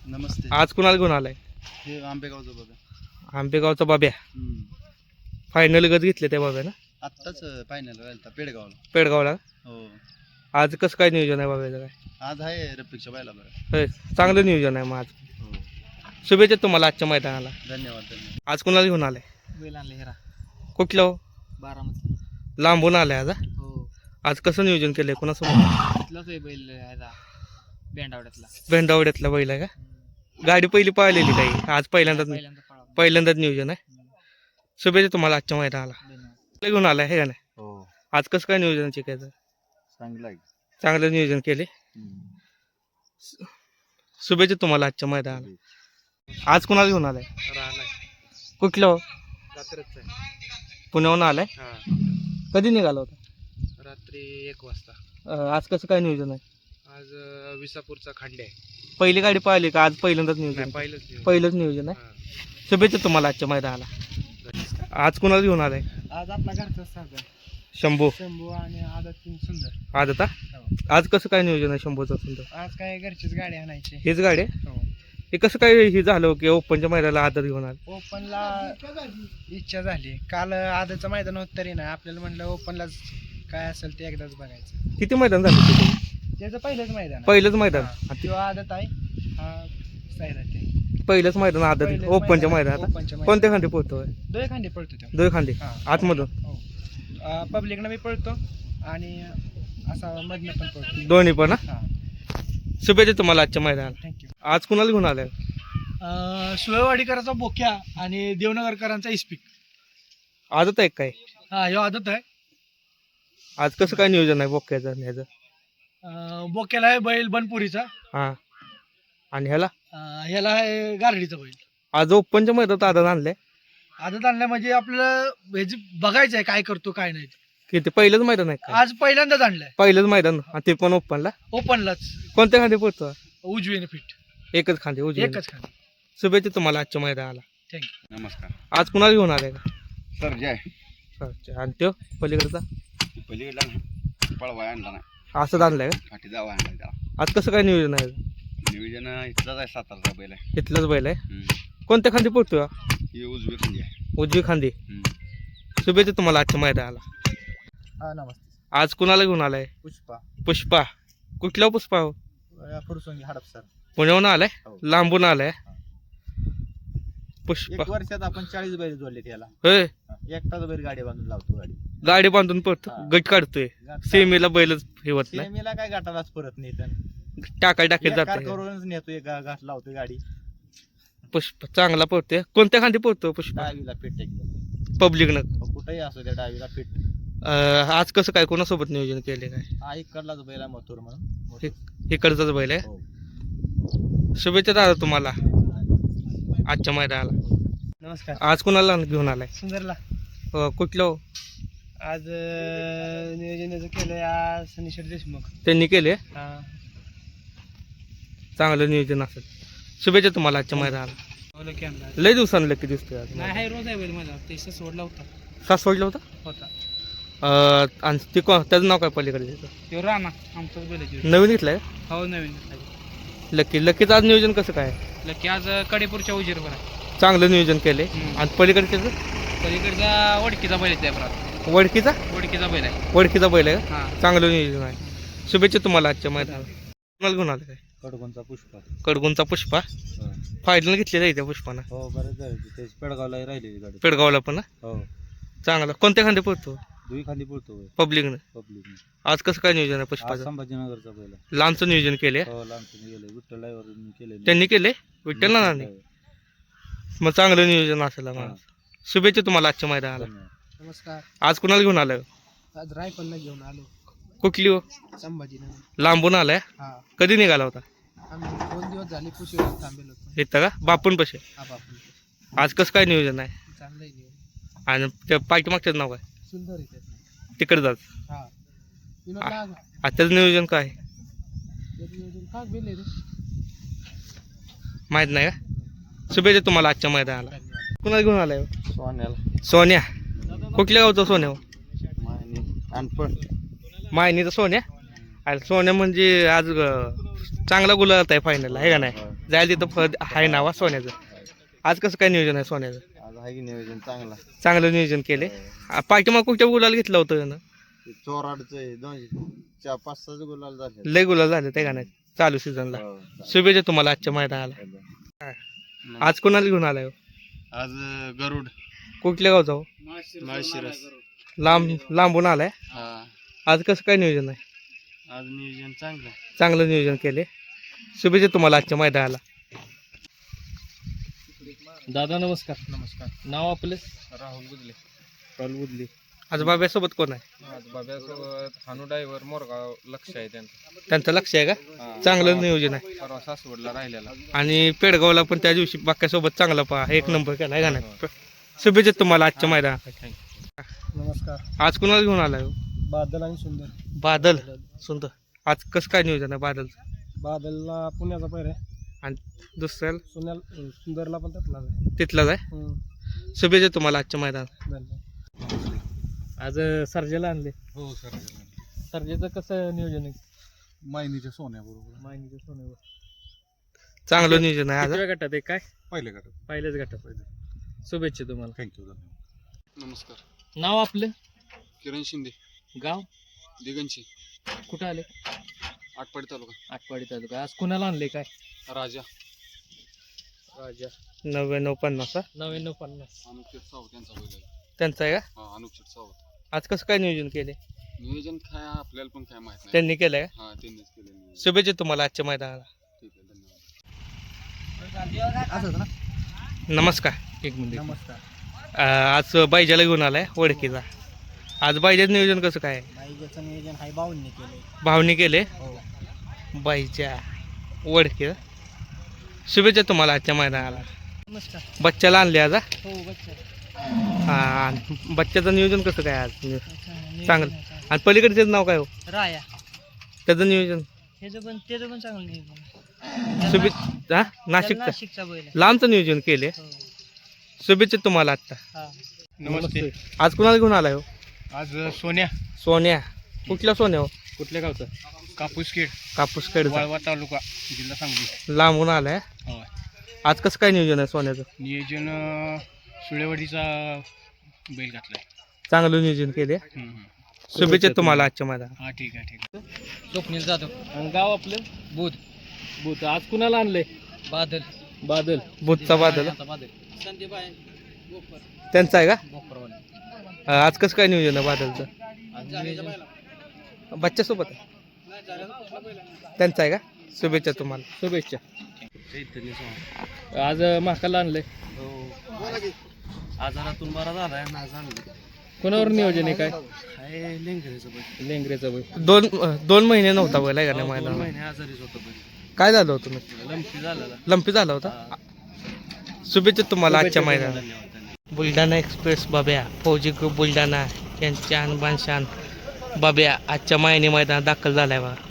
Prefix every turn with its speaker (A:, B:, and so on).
A: नमस्ते.
B: आज कुणाला घेऊन आलाय?
A: हे आंबेगावचं बघा.
B: आंबेगावचा बाब्या. फायनल गत घेतले त्या बाब्या ना
A: आत्ताच फायनल राहिलता पेडगावला.
B: पेडगावला.
A: हो.
B: आज कसं काय नियोजन आहे बाब्याचं काय?
A: आज आहे रफिकच्या बायला बघा.
B: होय, चांगलं नियोजन आहे मग आज.
A: हो.
B: शुभेच्छा तुम्हाला आजच्या मैदानाला.
A: धन्यवाद धन्यवाद.
B: आज कुणाला घेऊन आलाय?
C: बैल आणले हेरा
B: कुठलं हो?
C: बारामती.
B: लांबून आलाय आज हा?
C: हो
B: आज कसं नियोजन केलंय कोणासोबत?
C: तिथलाच आहे बैल ह्याचा बेंडावड्यातला.
B: भेंडावड्यातला बैल आहे का? गाडी पहिली पाहिलेली काही आज पहिल्यांदाच
C: पळा.
B: पहिल्यांदाच नियोजन आहे. शुभेच्छा तुम्हाला आजच्या मैदानाला.
C: धन्यवाद.
B: कुठलं घेऊन आलाय हे का नाही?
A: हो.
B: आज कसं काय नियोजन शिकायचं?
A: चांगलं आहे.
B: चांगलं नियोजन केले. शुभेच्छा तुम्हाला आजच्या मैदानाला. आज कुणाला घेऊन आलाय? कुठलं हो? पुण्याहून आलाय. कधी निघाला होता?
C: रात्री 1 वाजता.
B: आज कसं काय नियोजन आहे?
C: आज विसापूरचा खांडे आहे.
B: पहिली गाडी पाहिली का? आज पहिल्यांदाच नियोजन? पहिलंच नियोजन आहे. शुभेच्छा तुम्हाला आजच्या मैदानाला. आज कुणाला घेऊन आलाय?
C: आज आपला घरचा साधा
B: शंभू.
C: शंभू आणि आदत सुंदर.
B: आज आता आज कसं काय नियोजन आहे शंभूचं सुंदर?
C: आज काय घरचीच गाडी आणायची.
B: हेच गाडी आहे?
C: हो.
B: हे कसं काय हे झालं की ओपनच्या मैदानाला आदर घेऊन आलं?
C: ओपनला इच्छा झाली. काल आदतचं मैदान होत तरी नाही. आपल्याला म्हणलं ओपनलाच काय असेल ते एकदाच बघायचं.
B: किती मैदान झालं?
C: त्याचं पहिलंच मैदान आहे.
B: पहिलंच मैदान.
C: किंवा आदत आहे हा सायरात आहे.
B: पहिलंच मैदान आदर
C: पहिलंच
B: ओपनच्या
C: मैदान,
B: मैदानात.
C: ओपनच्या मैदानात.
B: कोणत्या खांदी पोहतोय?
C: दोन खांदे पळतो तो.
B: दोन खांदी
C: हा.
B: आतमधून
C: हो. पब्लिकनं मी पळतो आणि असा मधनं पण पळतो.
B: दोन्ही पण हा?
C: हा.
B: शुभेच्छा तुम्हाला आजच्या मैदानाला.
C: थँक्यू.
B: आज कुणाला घेऊन आलाय?
C: सुळेवाडीकरांचा बोक्या आणि देवनगरकरांचा इस्पिक.
B: आदत आहे काय?
C: हा ह्यो आदत आहे.
B: आज कसं काय नियोजन आहे बोक्याचं आणि ह्याचं?
C: बोक्याला आहे बैल बनपुरीचा.
B: हा. आणि ह्याला
C: ह्याला आहे गारडीचा बैल.
B: आज ओपनच्या मैदानात आदत आणलंय.
C: आदत आणल्या म्हणजे आपलं ह्याची बघायचं आहे काय करतो काय नाही.
B: किती पहिलंच मैदान आहे काय?
C: आज पहिल्यांदाच आणलंय
B: पहिलंच मैदान आणि ते पण ओपनला.
C: ओपनलाच.
B: कोणत्या खांदी पोहतो?
C: उजवीने फिट.
B: एकच खांदी उजवी.
C: एकच खाली.
B: शुभेच्छा तुम्हाला आजच्या मैदानाला.
C: थँक्यू.
A: नमस्कार.
B: आज कुणाला घेऊन आलाय का?
A: सर जय.
B: अच्छा. आणि तो पलीकडचा
A: पलीकडला पळवाय आणला नाही.
B: असंच आणलंय का?
A: फाटी जावा आणला त्याला.
B: आज कसं काय नियोजन आहे?
A: नियोजन इथलाच आहे. सातारचा बैल आहे.
B: इथलंच बैल आहे. कोणत्या खांदी पोहतोय?
A: ही उजवी खांदी आहे.
B: उजवी खांदी. शुभेच्छा तुम्हाला आजच्या मैदानाला.
C: हा नमस्ते.
B: आज कुणाला घेऊन आलाय?
C: पुष्पा.
B: पुष्पा. कुठला पुष्पा हो?
C: फुरसोंगी हडपसर.
B: पुण्याहून आलाय.
C: हो.
B: लांबून आलाय. पुष्पा.
C: वर्षात आपण 40 बैल जोडले त्याला.
B: होय.
C: एकटाच बैल गाडी बांधून लावतो.
B: गाडी बांधून पळतो.
C: हा.
B: गट काढतोय. सेमीला बैलच ठेवत नाही.
C: सेमीला काय गाठालाच परत नाही.
B: टाकाय जात
C: करूनच नेतो. गाठ लावतो गाडी.
B: पुष्पा चांगला पळतोय. कोणत्या खांदी पळतो पुष्पा?
C: डावीला फिट एकदम.
B: पब्लिकनं.
C: कुठेही असो त्या डावीला फिट.
B: आज कसं काय कोणासोबत नियोजन केले काय?
C: हा इकडलाच बैल आहे मथुर म्हणून.
B: इकडचाच बैल आहे.
C: हो.
B: शुभेच्छा दादा तुम्हाला आजच्या मैदानाला.
C: नमस्कार.
B: आज कुणाला घेऊन आलाय?
C: सुंदरला.
B: कुठलं हो?
C: आज नियोजन केलंय आज सनीश्वर देशमुख.
B: त्यांनी केले.
C: हा.
B: चांगलं नियोजन असेल. शुभेच्छा तुम्हाला आजच्या मैदानाला. लय दिवसांनी लकी दिसतोय आज.
C: नाही रोज आहे बैल माझा. ते सोडला होता.
B: सासवडला होता. आणि ते त्याचं नाव काय पलीकडे?
C: तो राणा आमचाच बैल आहे.
B: नवीन घेतलाय?
C: हो नवीन.
B: लकीचं आज नियोजन कसं काय?
C: लकी आज कडेपूरच्या उजीरवर आहे.
B: चांगलं नियोजन केले. आणि पलीकडे
C: पलीकडचा वडकीचा बैल आहे.
B: वडकीचा
C: वडकीचा बैल आहे.
B: वडकीचा बैल आहे.
C: हा.
B: चांगलं नियोजन आहे. शुभेच्छा तुम्हाला आजच्या मैदानाला. कुणाला घेऊन आलं काय?
C: कडकोणचा पुष्पा.
B: कडगुंचा पुष्पा. फायनल घेतलेला आहे त्या पुष्पानं.
C: हो बरेच झाले. ते पेडगावला राहिलेली गाडी.
B: पेडगावला पण ना?
C: हो.
B: चांगला. कोणत्या खांदे पळतो?
C: दुई खाली पडतो
B: पब्लिकनं. आज कसं काय नियोजन आहे पुष्पाचं?
C: संभाजीनगरचा बैल.
B: लांबचं नियोजन केले.
C: हो लांबचं गेले. विठ्ठल केले.
B: त्यांनी केले. विठ्ठल ना मग चांगलं नियोजन असेल आम्हाला. शुभेच्छा तुम्हाला आजच्या मैदानाला.
C: नमस्कार.
B: आज कुणाला घेऊन आलं?
C: आज रायफलला घेऊन आलो.
B: कुठली हो?
C: संभाजीनगर.
B: लांबून आलाय.
C: हा.
B: कधी निघाला होता?
C: आम्ही 2 दिवस झाले पुशीवर थांबेलो होतो.
B: येतं का बापून पशे?
C: हा बापू.
B: आज कसं काय नियोजन आहे?
C: चांगलं आहे नियोजन.
B: आणि त्या पाठीमागच्याच नाव काय?
C: सुंदर आहे.
B: तिकडे जात.
C: हा.
B: आजच्याच नियोजन काय?
C: नियोजन काय बेल आहे रे?
B: माहित नाही का? शुभेच्छा तुम्हाला आजच्या मैदानाला. कुणाला घेऊन आलाय?
C: सोन्याला.
B: सोन्या. कुठल्या गावचा सोन्या?
C: अनपण.
B: मायनीचा सोन्या. अरे सोन्या म्हणजे आज चांगला गुलाल आहे फायनल आहे का नाही? जायला तिथं फळ आहे नावा सोन्याचं. आज कसं काय नियोजन आहे सोन्याचं?
A: आज आहे की नियोजन चांगला.
B: चांगलं नियोजन केले. पाठीमाग कुठच्या गुलाल घेतलं होतं यानं?
A: चोराडचं आहे 2-4-5-6 गुलाल झाले.
B: लय गुलाल झाले त्या गाण्यात चालू सीझनला. शुभेच्छा तुम्हाला आजच्या मैदानाला. आज कोणाला घेऊन आलाय हो?
A: आज गरुड
B: कुठल्या गावचा हो?
A: माळशिरस.
B: लांबून आलाय.
A: हा
B: आज कसं काय नियोजन आहे?
A: आज नियोजन चांगलं.
B: चांगलं नियोजन केले. शुभेच्छा तुम्हाला आजच्या मैदानाला. दादा नमस्कार.
C: नमस्कार.
B: नाव आपलं?
C: राहुल गुजले.
B: राहुल बुदली. आज बाब्यासोबत कोण आहे?
C: आज बाब्यासोबत हानू ड्रायव्हर मोरगाव लक्ष आहे त्यांचं.
B: त्यांचं लक्ष आहे का? चांगलं नियोजन आहे.
C: परवा सासवडला राहिलेला.
B: आणि पेडगावला पण त्या दिवशी बाक्यासोबत चांगला पहा एक नंबर केलाय गाण्यात. शुभेच्छा तुम्हाला आजच्या मैदानात.
C: नमस्कार.
B: आज कुणाला घेऊन आलाय हो?
C: बादल आणि सुंदर.
B: बादल सुंदर. आज कसं काय नियोजन आहे बादलचं?
C: बादलला पुण्याचा पैर आहे
B: आणि दुसऱ्याला
C: सुंदरला पण त्यातला
B: तिथलाच आहे. शुभेच्छा तुम्हाला आजच्या मैदानात. आज सर्जेला आणले.
C: हो सर.
B: सर्जेचं कसं नियोजन आहे?
C: मायनीच्या सोन्याबरोबर.
B: माहिती सोन्यावर चांगलं नियोजन आहे. आज गटात आहे काय?
C: पहिले गटात.
B: पहिल्याच गटात. शुभेच्छा तुम्हाला.
C: थँक्यू. धन्यवाद. नमस्कार.
B: नाव आपलं?
C: किरण शिंदे.
B: गाव
C: दिगंची.
B: कुठं आले?
C: आटपाडी तालुका.
B: आटपाडी तालुका. आज कुणाला आणले काय?
C: राजा.
B: राजा. 9950. 9950
C: अनुपचित सावत यांचा बैल आहे.
B: त्यांचा आहे का?
C: हा अनुपचित सावत.
B: आज कसं काय नियोजन केले?
C: नियोजन काय आपल्याला पण काय माहित नाही.
B: त्यांनी केलंय का?
C: हा त्यांनीच केलं नियोजन.
B: शुभेच्छा तुम्हाला आजच्या मैदानाला.
C: ठीक आहे. धन्यवाद.
B: नमस्कार. एक मिनिट.
C: नमस्कार.
B: आज बायजाला घेऊन आलाय ओळखीचा. आज बायजाचं नियोजन कसं काय?
C: बाईजाचं नियोजन हाय भाऊंनी केलंय.
B: भावनी केले.
C: हो.
B: बाईच्या ओळखीचा. शुभेच्छा तुम्हाला आजच्या मैदानाला.
C: नमस्कार.
B: बच्चाला आणले आज हा?
C: हो बच्चा.
B: हा. बच्चाचं नियोजन कसं काय आज? चांगलं. आणि पलीकडचं नाव काय हो?
C: राया.
B: त्याचं नियोजन
C: त्याचं पण चांगलं नियोजन.
B: शुभेच्छा. हा नाशिकचं
C: नाशिकचा बैल आहे.
B: लांबचं नियोजन केले.
C: हो.
B: शुभेच्छा तुम्हाला आत्ता.
C: हा.
B: नमस्ते. आज कुणाला घेऊन आलाय हो?
C: आज सोन्या.
B: सोन्या. कुठला सोन्या हो?
C: कुठल्या गावचं? कापूसखेड.
B: कापूस खेड.
C: वाळवा तालुका जिल्हा सांगली.
B: लांबून आलाय.
C: हो.
B: आज कसं काय नियोजन आहे सोन्याचं?
C: नियोजन सुळेवाडीचा बैल घातलाय.
B: चांगलं नियोजन केले. शुभेच्छा तुम्हाला आजच्या मैदानात.
C: हा ठीक आहे. ठीक आहे. स्वप्नील जाधव.
B: आणि गाव आपलं?
C: बुध.
B: बुध. आज कुणाला आणलंय?
C: बादल.
B: बादल. बुधचा बादल.
C: बादल. संदीप आहे.
B: त्यांचा आहे का?
C: बोकरवाले.
B: आज कसं काय नियोजन आहे बादलचं? बच्चा सोबत आहे. त्यांचा आहे का? शुभेच्छा तुम्हाला. शुभेच्छा. आज महाकाला आणलंय.
C: आजारातून बरा झालाय. नाज आणलं.
B: कोणावर नियोजन आहे काय?
C: हाय लेंगरेचं बैल.
B: लेंगरेचा बैल. दोन महिने नव्हता बैल आहे का नाही मैदानात?
C: महिने आजारीच होतं बैल.
B: काय झालं होतं मग?
C: लंपी झालेला.
B: लंपी झाला होता. शुभेच्छा तुम्हाला आजच्या मैदानात.
C: धन्यवाद.
B: बुलढाणा एक्सप्रेस बाब्या फौजी ग्रुप बुलढाणा यांच्या अनबान शान बाब्या आजच्या मायनी मैदानात दाखल झालाय बा.